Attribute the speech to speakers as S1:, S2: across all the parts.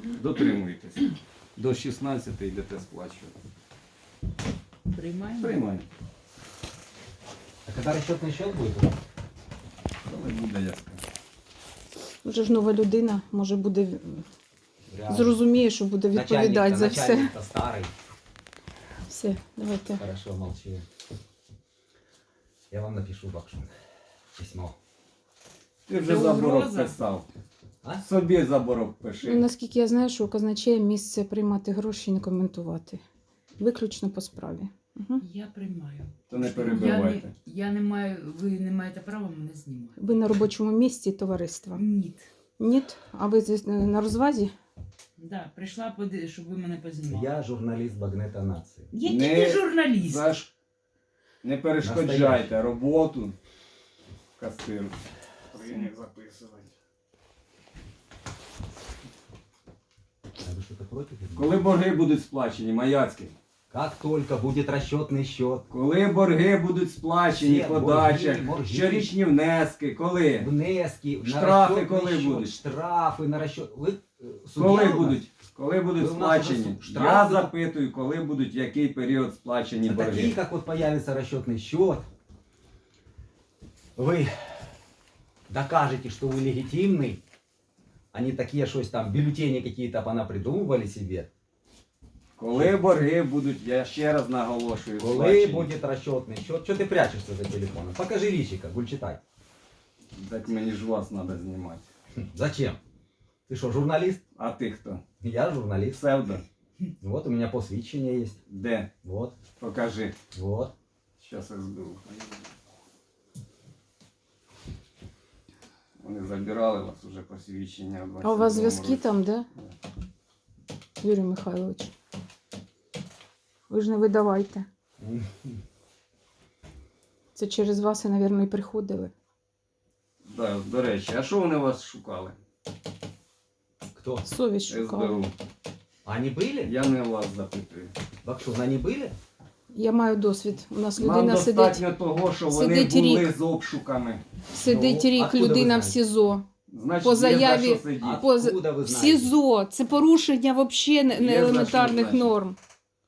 S1: Дотримуйтесь. До 16 йдете сплачувати.
S2: Приймаємо?
S1: Приймаємо.
S3: А когда расчетный счет будет?
S1: Коли буде, я скажу.
S4: Вже ж нова людина, може буде
S3: Реально.
S4: зрозуміє, що буде відповідати за все.
S3: Начальник-то старый.
S4: Все, давайте.
S3: Хорошо, молчи. Я вам напишу, Бакшун, письмо.
S1: Ти вже
S2: Це
S1: заборок
S2: угроза?
S1: писав.
S3: А?
S1: Собі заборок
S4: Ну,
S1: пиши.
S4: наскільки я знаю, що у казначея місце приймати гроші і не коментувати. Виключно по справі. Угу.
S2: Я приймаю.
S1: То не перебивайте.
S2: Я не маю, ви не маєте права мене знімати.
S4: Ви на робочому місці товариства?
S2: Ні.
S4: Ні? А ви здесь на розвазі?
S2: Да, прийшла, щоб ви мене познімали.
S3: Я журналист Багнета Нации.
S2: Який
S1: Не
S2: ти журналіст?
S1: Не перешкоджайте роботу касиру. Прийняв записувати.
S3: А вы что-то против?
S1: Коли борги будуть сплачені, Маяцький?
S3: Как только будет расчетный счет,
S1: Коли борги будуть сплачені,
S3: Всі
S1: подача,
S3: борги.
S1: щорічні внески, коли?
S3: внески,
S1: Штрафи
S3: на расчетный
S1: коли
S3: счет,
S1: будуть?
S3: штрафы на расчет. Вы судья
S1: Коли
S3: у нас?
S1: будуть? Коли будуть
S3: Ви у нас
S1: сплачені?
S3: уже штрафи
S1: Я
S3: будуть?
S1: запитую, коли будуть, в який період сплачені
S3: А такие,
S1: борги.
S3: как вот появится расчетный счет, вы докажете, что вы легитимный, а не такие, что там бюллетени какие-то понапридумывали себе.
S1: Коли борги будуть, я ще раз наголошую,
S3: Коли
S1: сплачені.
S3: будет расчетный счет? Что ты прячешься за телефоном? Покажи личика, Гульчитай.
S1: Так мені ж вас треба знімати.
S3: Зачем? Ты что, журналист?
S1: А ти хто?
S3: Я журналист.
S1: Псевдо?
S3: Вот у меня посвящение есть.
S1: Де?
S3: Вот,
S1: Покажи.
S3: вот.
S1: Щас я зберу. Вони забирали вас уже посвідчення в 22-му
S4: А у вас зв'язки
S1: році.
S4: там, да? Юрій Михайлович. Ви ж не видавайте. Це через вас, і, мабуть, і приходили.
S1: Да, до речі, а що вони вас шукали?
S3: Кто?
S4: Совість шукала.
S1: СБУ.
S3: Они были?
S1: Я не вас запитую.
S3: Бакшун, они были?
S4: Я маю досвід. У нас
S1: Нам
S4: людина сидить,
S1: достатньо того, що вони
S4: сидить
S1: були
S4: рік.
S1: з обшуками.
S4: сидить
S3: Ну,
S4: рік
S3: откуда ви
S4: людина в
S3: знаєте?
S4: СІЗО.
S1: Значить,
S4: По
S1: є за
S4: заяві-
S1: що сидіти.
S3: А
S4: По-
S3: откуда вы
S4: В
S3: знаете?
S4: СІЗО. Це порушення взагалі
S1: Є за що,
S4: елементарних
S1: значить.
S4: норм.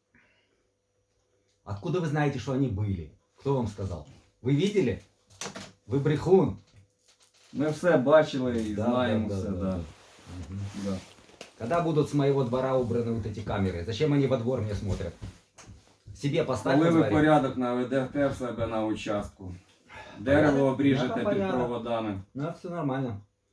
S3: Откуда вы знаете, что они были? Кто вам сказал? Вы видели? Вы брехун.
S1: Ми все бачили і
S3: Да,
S1: знаємо
S3: да,
S1: все.
S3: да,
S1: Да,
S3: да. Мгм.
S1: Да.
S3: Когда будут с моего двора убраны вот эти камеры? Зачем они во двор мне смотрят? Себе поставь
S1: Коли
S3: во
S1: ви
S3: дворе.
S1: порядок наведете в себе на участку, дерево обріжете під
S3: порядок.
S1: проводами,
S3: Ну, все нормально.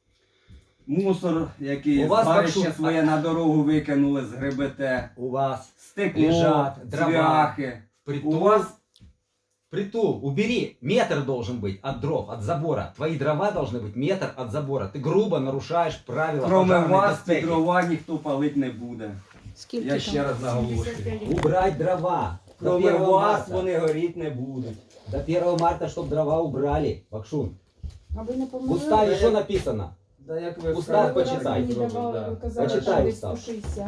S1: мусор, який
S3: У вас
S1: згарище
S3: бачу-
S1: своє на дорогу викинули, згребете,
S3: У вас
S1: стекло,
S3: лежать дрова.
S1: цвяхи.
S3: притул.
S1: У вас
S3: Притул, убери. Метр должен быть от дров, от забора. Твои дрова должны быть метр от забора. Ты грубо нарушаешь правила
S1: кроме
S3: пожарной
S1: вас
S3: безпеки.
S1: під дрова ніхто палить не буде.
S4: Скільки
S1: Я
S4: там?
S1: ще раз наголошую.
S3: Убрать дрова. До
S1: Кроме
S3: 1
S1: вас
S3: марта.
S1: вони горіти не будуть.
S3: До 1 марта, чтобы дрова убрали. Бакшун.
S4: А ви не
S3: В
S4: помогли?
S3: уставе что написано?
S1: Да як ви
S3: Устав
S1: скажете,
S3: почитай.
S1: так зробить, да.
S4: Ви казали,
S3: Почитай
S4: що десь
S3: устав.
S4: 160.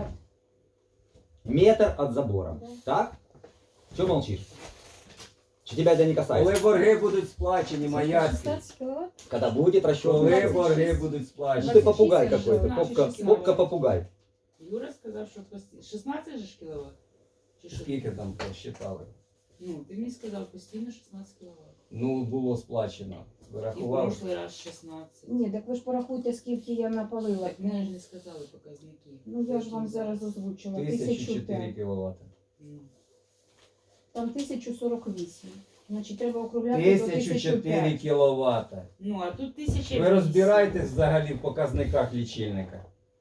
S3: Метр от забора. Так? Че молчишь? Че тебя это не касается?
S1: Коли борги будуть сплачені, Маяцький.
S4: 16 кіловат?
S3: Когда будет расчет?
S1: Коли борги будуть
S3: Ну
S1: сплачені.
S3: ты попугай
S2: 26,
S3: какой-то.
S2: 16,
S3: Попка попугай.
S2: Юра сказав, що 16 же ж кіловат? Чи що?
S1: Скільки там посчитали?
S2: Ну, ти мені сказав постійно 16 кіловат.
S1: Ну, було сплачено.
S2: І в
S1: Вирахував.
S2: прошлий раз 16.
S4: Ні, так ви ж порахуйте, скільки я напалила.
S2: Так мені ж не сказали показники.
S4: Ну я ж вам зараз озвучила.
S1: 1004
S4: 1005.
S1: кВт.
S2: Ну.
S4: Там 1048. Значить, треба округляти до
S1: 1004
S4: 1005.
S1: кВт.
S2: Ну, а тут 1000.
S1: Ви розбираєтесь взагалі в показниках лічильника?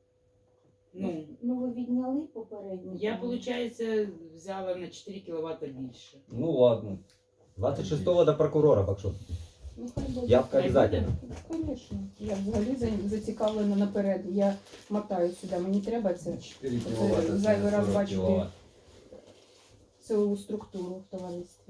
S2: Ну,
S4: Ну ви відняли попередньо.
S2: я, виходить, взяла на 4 кВт більше.
S1: Ну ладно.
S3: 26-го до прокурора, Бакшун.
S4: Ну, хай буде.
S3: Явка обязательно.
S4: Звісно. Я взагалі зацікавлена наперед. Я мотаю сюди. Мені треба це
S1: 4
S4: Це
S1: кВт.
S4: зайвий раз бачити. Силову структуру в товаристві.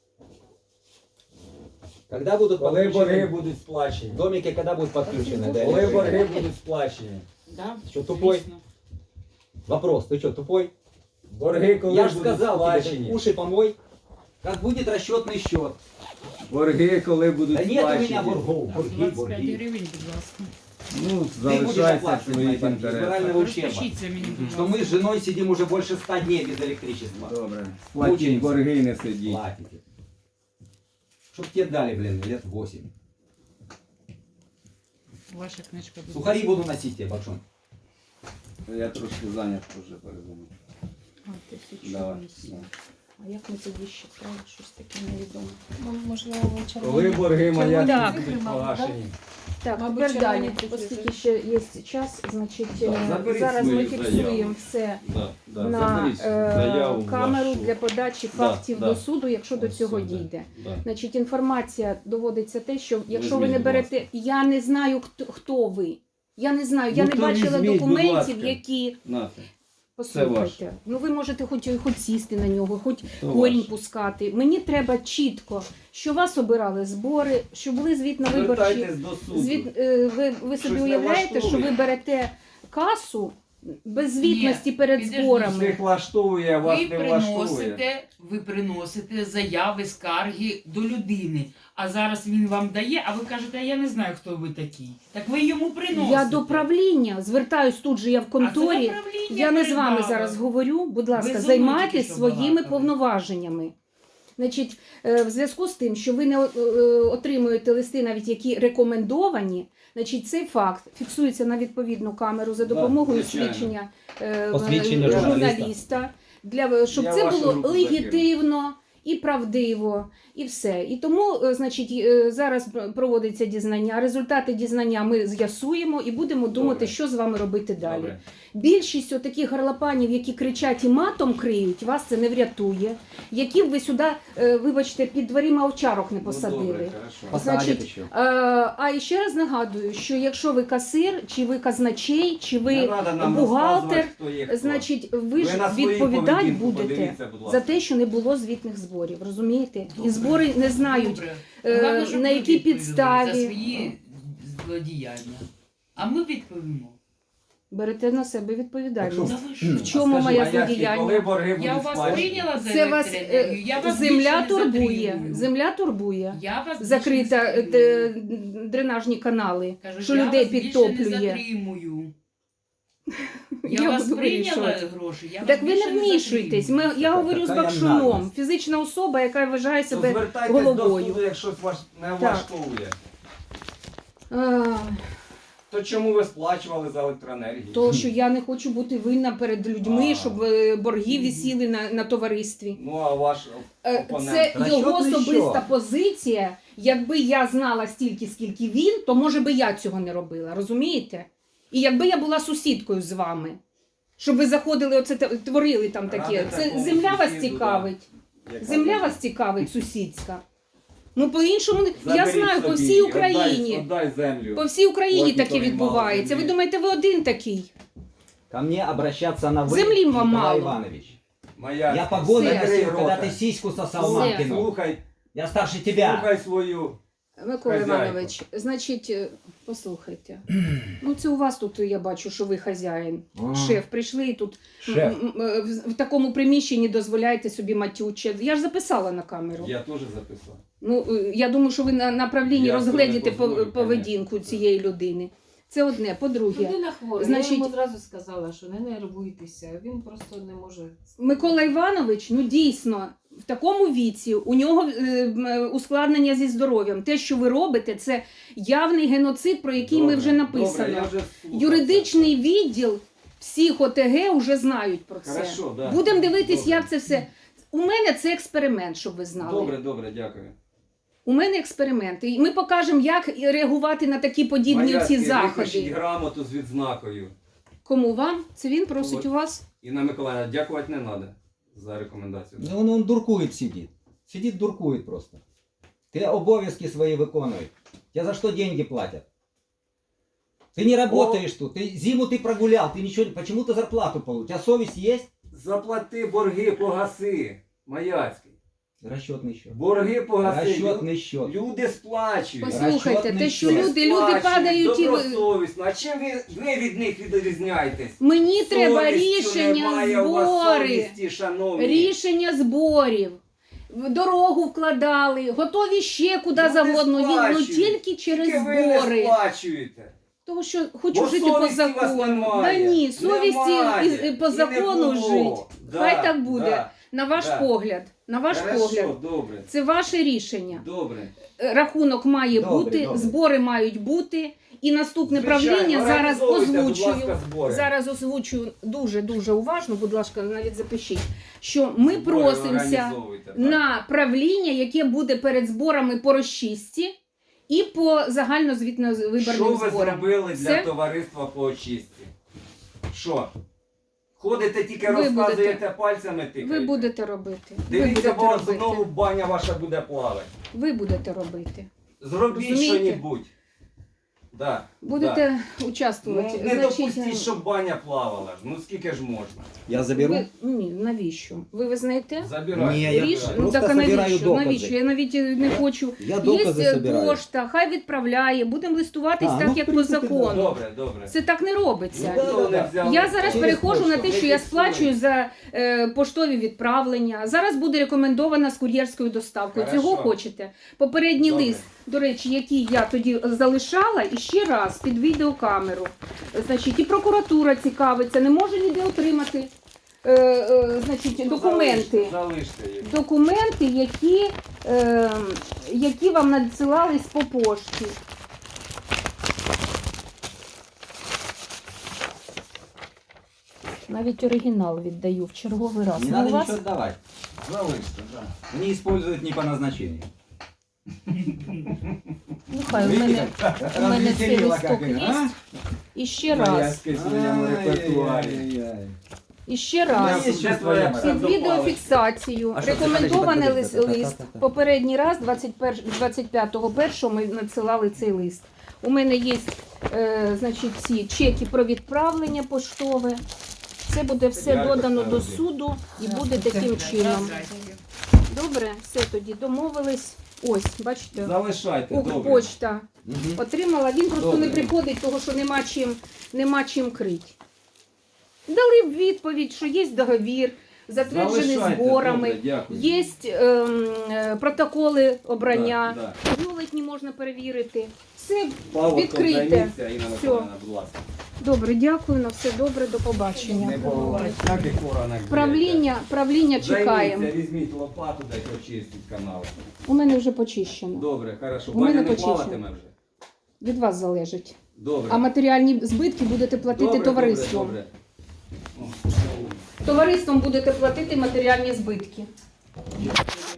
S3: Когда будут
S1: Коли борги
S3: подключены?
S1: будуть сплачені?
S3: Домики когда будут подключены? до
S1: Коли
S3: электрики?
S1: борги будуть сплачені?
S2: Да?
S3: Що, тупой?
S2: Звісно.
S3: Вопрос, ты что, тупой?
S1: Борги коли
S3: Я же
S1: будуть
S3: сказал тебе,
S1: сплачені?
S3: ты уши помой. Как будет расчетный счет?
S1: Борги коли будуть
S3: Да нет у меня
S1: сплачені?
S3: боргов. Борги,
S2: 25
S3: борги.
S2: гривень, будь ласка.
S1: Ну,
S3: Ты будешь
S1: залишається в
S3: оплачивать мои
S1: своїх
S3: борги.
S1: інтересах.
S3: Федерального ущерба.
S2: Розпишіться мені, будь
S3: Что
S2: ласка.
S3: мы с женой сидим уже больше 100 дней без электричества.
S1: Добре. Сплатіть
S3: Мучаємося.
S1: борги і не сидіть.
S3: Платите. Чтоб тебе дали, блин, лет 8.
S2: Ваша книжка буде.
S3: Сухари буду носить тебе, Бакшон.
S1: Я трошки зайнят вже перезвоню.
S4: А, 1008.
S1: Давай.
S4: А як ми тоді ще справи? Щось таке невідоме.
S5: Можливо, вечором.
S1: Коли борги моя
S4: Так.
S1: будуть погашені?
S4: Так,
S5: Мабуть,
S4: тепер далі,
S5: червоні цифри.
S4: оскільки ще є час, значить,
S1: заберіть
S4: зараз ми
S1: свою
S4: фіксуємо
S1: заяву.
S4: все
S1: Да,
S4: на
S1: заберіть заяву
S4: камеру
S1: вашу.
S4: для подачі
S1: Да,
S4: фактів
S1: да.
S4: до суду, якщо до
S1: Ось
S4: цього
S1: сюди.
S4: дійде.
S1: Да.
S4: Значить, інформація доводиться те, що якщо ви
S1: Візьміть,
S4: не
S1: будь
S4: берете, я не знаю, хто ви. Я не знаю, я
S1: Ну,
S4: не
S1: то
S4: бачила
S1: візьміть, будь
S4: документів,
S1: ласка.
S4: які.
S1: Нате.
S4: Послухайте,
S1: ваше.
S4: ну ви можете хоч сісти на нього, хоч
S1: То
S4: корінь
S1: ваше.
S4: пускати. Мені треба чітко, що вас обирали збори, що були звітно-виборчі.
S1: Звертайтесь до суду.
S4: Ви собі
S1: Щось не
S4: уявляєте, що ви
S1: влаштовує?
S4: берете касу без звітності
S2: Ні,
S4: перед
S2: підождіть,
S4: зборами.
S1: Всіх влаштовує, а вас
S2: Ви
S1: не влаштовує.
S2: приносите заяви, скарги до людини, а зараз він вам дає, а ви кажете, а я не знаю, хто ви такий. Так ви йому приносите.
S4: Я до правління звертаюсь тут же, я в
S2: А це
S4: конторі.
S2: направління
S4: Я не з вами
S2: передало.
S4: зараз говорю. Будь ласка,
S2: Ви зо мною
S4: займайтесь
S2: тільки що
S4: своїми
S2: балакали.
S4: повноваженнями. Значить, в зв'язку з тим, що ви не отримуєте листи, навіть які рекомендовані, значить, цей факт фіксується на відповідну камеру за
S1: Да,
S4: допомогою
S1: звичайно.
S4: свідчення
S3: Посвідчення
S4: журналіста, щоб
S1: Я
S4: це
S1: вашу
S4: було
S1: руку
S4: легітимно і правдиво, і все. І тому, значить, зараз проводиться дізнання. Результати дізнання ми з'ясуємо і будемо думати,
S1: Добре.
S4: що з вами робити далі.
S1: Добре.
S4: Більшість таких гарлопанів, які кричать і матом криють, вас це не врятує. Які б ви сюди, вибачте, під дверима овчарок не
S1: Ну,
S4: посадили.
S1: добре, хорошо.
S3: Посадять
S4: Значить,
S3: еще.
S4: А і ще раз нагадую, що якщо ви касир, чи ви казначей, чи
S1: Не
S4: ви
S1: надо нам
S4: бухгалтер,
S1: розказувати, хто є хто.
S4: значить, ви ж
S1: на свою
S4: відповідати
S1: поведінку
S4: будете
S1: подивіться, будь ласка.
S4: за те, що не було звітних зборів. Розумієте? І збори не знають,
S2: Добре.
S4: е,
S2: Головне, щоб
S4: на
S2: ви
S4: якій
S2: відповіли
S4: підставі.
S2: за свої злодіяння. А ми відповімо.
S4: берете на себе відповідальність.
S2: Та ви що?
S4: В чому
S1: А скажи,
S4: моя
S1: Маяцький,
S4: злодіяння?
S1: коли борги
S2: Я
S1: будуть
S2: у вас
S1: сплачені?
S2: прийняла за
S4: Це вас
S2: електроенергію, я вас
S4: земля
S2: більше не
S4: турбує.
S2: затримую.
S4: Земля турбує.
S2: Я вас
S4: Закрита
S2: більше не затримую.
S4: дренажні канали,
S2: Кажу,
S4: що
S2: я
S4: людей
S2: вас більше
S4: підтоплює.
S2: Не затримую.
S4: Я
S2: Я вас
S4: буду
S2: прийняла
S4: вирішувати.
S2: гроші, я
S4: Так
S2: вас
S4: ви
S2: більше
S4: не вмішуйтесь.
S2: затримую.
S4: Я говорю з
S3: Така
S4: Бакшуном,
S3: наглость.
S4: фізична особа, яка вважає
S1: То
S4: себе
S1: звертайтесь
S4: головою.
S1: до суду, якщо вас не влаштовує.
S4: А,
S1: То чому ви сплачували за електроенергію?
S4: то, що я не хочу бути винна перед людьми,
S1: А.
S4: щоб борги висіли на товаристві.
S1: Ну, а ваш опонент?
S4: Це його
S3: Расчетний
S4: особиста
S3: счет.
S4: позиція. Якби я знала стільки, скільки він, то може би я цього не робила, розумієте? І якби я була сусідкою з вами, щоб ви заходили, оце творили там таке.
S1: Ради
S4: Це
S1: такому
S4: земля вас
S1: сусіду,
S4: цікавить.
S1: Яка
S4: Земля
S1: ви-
S4: вас цікавить, сусідська. Ну, по-іншому, я
S1: Заберіть
S4: знаю, по
S1: собі,
S4: всій Україні.
S1: Отдай землю.
S4: По всій Україні
S1: Ось
S4: таке
S1: ніхто не
S4: відбувається.
S1: мав
S4: Ви
S1: землі.
S4: думаєте, ви один такий?
S3: Ко мне обращаться на вы,
S4: Земли вам
S3: Николай
S4: мало.
S3: Иванович.
S1: Моя...
S3: Я погоны
S4: Все.
S3: носил, когда
S1: рота.
S3: ты сиську сосал
S4: Все.
S3: мамкину.
S1: Слухай,
S3: Я старше тебя.
S1: слухай свою.
S4: Микола
S1: Хазяйка.
S4: Іванович, значить, послухайте. Ну, це у вас тут, я бачу, що ви хазяїн.
S3: А.
S4: Шеф, прийшли і тут
S3: Шеф.
S4: в такому приміщенні дозволяєте собі матюче. Я ж записала на камеру.
S1: Я теж записав.
S4: Ну, я думаю, що ви на правлінні
S1: Я
S4: розгледіте
S1: не позволю,
S4: поведінку
S1: конечно.
S4: цієї людини. Це одне. По-друге,
S5: Людина хвора.
S4: Значить-
S5: Я йому одразу сказала, що не нервуйтеся. Він просто не може.
S4: Микола Іванович, ну дійсно, в такому віці у нього ускладнення зі здоров'ям. Те, що ви робите, це явний геноцид, про який ми
S1: Добре,
S4: вже написано.
S1: добре, я вже слухав
S4: Юридичний відділ всіх ОТГ вже знають про це.
S1: Хорошо, да.
S4: Будемо дивитись,
S1: Добре.
S4: як це все. У мене це експеримент, щоб ви знали.
S1: Добре, добре, дякую.
S4: У мене експеримент. І ми покажемо, як реагувати на такі подібні
S1: Маяцький,
S4: ці
S1: випишіть
S4: заходи.
S1: грамоту з відзнакою.
S4: Кому вам? Це він просить
S1: От.
S4: у вас?
S1: Інна Миколаївна, дякувати не треба за рекомендацію.
S3: Ну, он дуркует сидит. Сидит, дуркует просто. Ты обовязки свои виконуй. Тебе за что деньги платят? Ты не работаешь тут. Ты, зиму ты прогулял. Ты ничего, почему ты зарплату получил? У тебя совесть есть?
S1: Заплати борги, погаси. Маяцький.
S3: Расчетный счет.
S1: Борги погаси.
S3: Расчетный счет.
S1: Люди сплачують.
S4: Послухайте,
S3: Расчетний
S4: те, що
S3: счет.
S4: люди
S1: Сплачують
S4: падають і ви...
S1: добросовісно. А чим ви від них відрізняєтесь?
S4: Мені треба
S1: Совістю
S4: рішення
S1: немає у вас
S4: збори.
S1: совісті, шановні.
S4: Рішення зборів. В дорогу вкладали, готові ще куди
S1: Люди
S4: завгодно. Ну
S1: сплачують.
S4: тільки через
S1: Тільки ви не
S4: збори.
S1: сплачуєте.
S4: Того, що хочу
S1: Бо
S4: жити по
S1: совісті у вас
S4: закону.
S1: немає.
S4: Да ні, совісті
S1: Немає.
S4: і по
S1: І не
S4: закону
S1: було.
S4: жити.
S1: Да,
S4: Хай так буде.
S1: да.
S4: На ваш
S1: Да.
S4: погляд. На ваш
S1: Хорошо,
S4: погляд.
S1: добре.
S4: Це ваше рішення.
S1: Добре.
S4: Рахунок має
S3: Добре,
S4: бути,
S3: добре.
S4: збори мають бути. І наступне
S1: Звичайно,
S4: правління зараз
S1: організовуйте, будь
S4: озвучую.
S1: ласка, збори.
S4: Зараз озвучую дуже уважно, будь ласка, навіть запишіть, що ми
S1: Збори
S4: просимося
S1: організовуйте, так.
S4: на правління, яке буде перед зборами по розчистці і по
S1: Що
S4: загальновиборним
S1: ви
S4: зборам.
S1: зробили для
S4: Все?
S1: товариства по очистці? Що? Ходите тільки
S4: Ви
S1: розказуєте
S4: будете.
S1: пальцями тикаєте?
S4: Ви будете робити. Ви
S1: Дивіться,
S4: будете
S1: бо
S4: робити.
S1: знову баня ваша буде плавати.
S4: Ви будете робити.
S1: Зробіть
S4: Розумієте?
S1: що-небудь. Да,
S4: Будете
S1: да.
S4: участвувати.
S1: Ну, не допустіть, щоб баня плавала ж. Ну скільки ж можна?
S3: Я заберу?
S4: Ні, навіщо? Ви визнаєте?
S1: Забирайте.
S3: Ні, я
S4: Ріш...
S3: просто
S4: Ну так а
S3: собираю
S4: навіщо?
S3: докази.
S4: Навіщо? Я навіть не хочу.
S3: Я докази
S4: Є
S3: собираю.
S4: пошта, хай відправляє, будемо листуватись
S3: А,
S4: так,
S3: ну,
S4: як
S3: в
S4: по
S3: принципі,
S4: закону.
S1: Добре, добре.
S4: Це так не робиться.
S3: Ну, да, да, да.
S4: Я зараз
S3: Через
S4: переходжу на те,
S3: пошту.
S4: що я
S1: Не
S4: сплачую за поштові відправлення. Зараз буде рекомендована з кур'єрською доставкою.
S1: Хорошо.
S4: Цього хочете? Попередній
S1: Добре.
S4: лист, до речі, який я тоді залишала, і ще раз під відеокамеру. Значить, і прокуратура цікавиться, не може ніде отримати значить, документи.
S1: Залиште їх.
S4: Документи, які вам надсилались по пошті. Навіть оригінал віддаю в черговий раз.
S3: Не
S4: Ну,
S3: надо
S4: у вас
S3: ничего отдавать.
S1: Залиште, так.
S3: Они используют не по назначению.
S4: ну, хай у мене, у мене цей
S3: Развеселила
S4: листок
S3: как
S4: є.
S3: их, а?
S4: І ще раз.
S1: В своєму репертуарі.
S3: Ай-яй-яй.
S4: І ще раз.
S3: Я сейчас твоя
S4: Під відеофіксацію
S3: А що це?
S4: рекомендований
S3: Подожди, подожди,
S4: лист.
S3: та-та-та-та.
S4: Попередній раз, 25.01 ми надсилали цей лист. У мене є значить, ці чеки про відправлення поштове. Це буде все
S1: Дякую,
S4: додано до
S1: Сергій.
S4: суду і буде таким чином. Добре, все тоді домовились. Ось, бачите,
S1: Залишайте, добре.
S4: Укрпочта
S3: Мгм.
S4: отримала. Він просто
S1: Добре.
S4: не приходить, того що нема чим крить. Дали б відповідь, що є договір, затверджений
S1: Залишайте,
S4: зборами,
S1: добре, дякую.
S4: є протоколи обрання,
S1: Да,
S4: бюлетні можна перевірити. Все
S1: Павло,
S4: відкрите.
S1: займіться, Інна
S4: Все.
S1: Миколаївна, будь ласка.
S4: добре, дякую, на все добре, до побачення.
S1: Не було всяких поранок.
S4: Правління чекаємо.
S1: Займіться, візьміть лопату, дайте очистіть канал.
S4: У мене вже почищено.
S1: Добре, хорошо.
S4: У мене
S1: Баня не
S4: почищено.
S1: плаватиме вже?
S4: Від вас залежить.
S1: Добре.
S4: А матеріальні збитки будете платити
S1: Добре,
S4: товариством.
S1: Добре, добре. О,
S4: Товариством будете платити матеріальні збитки.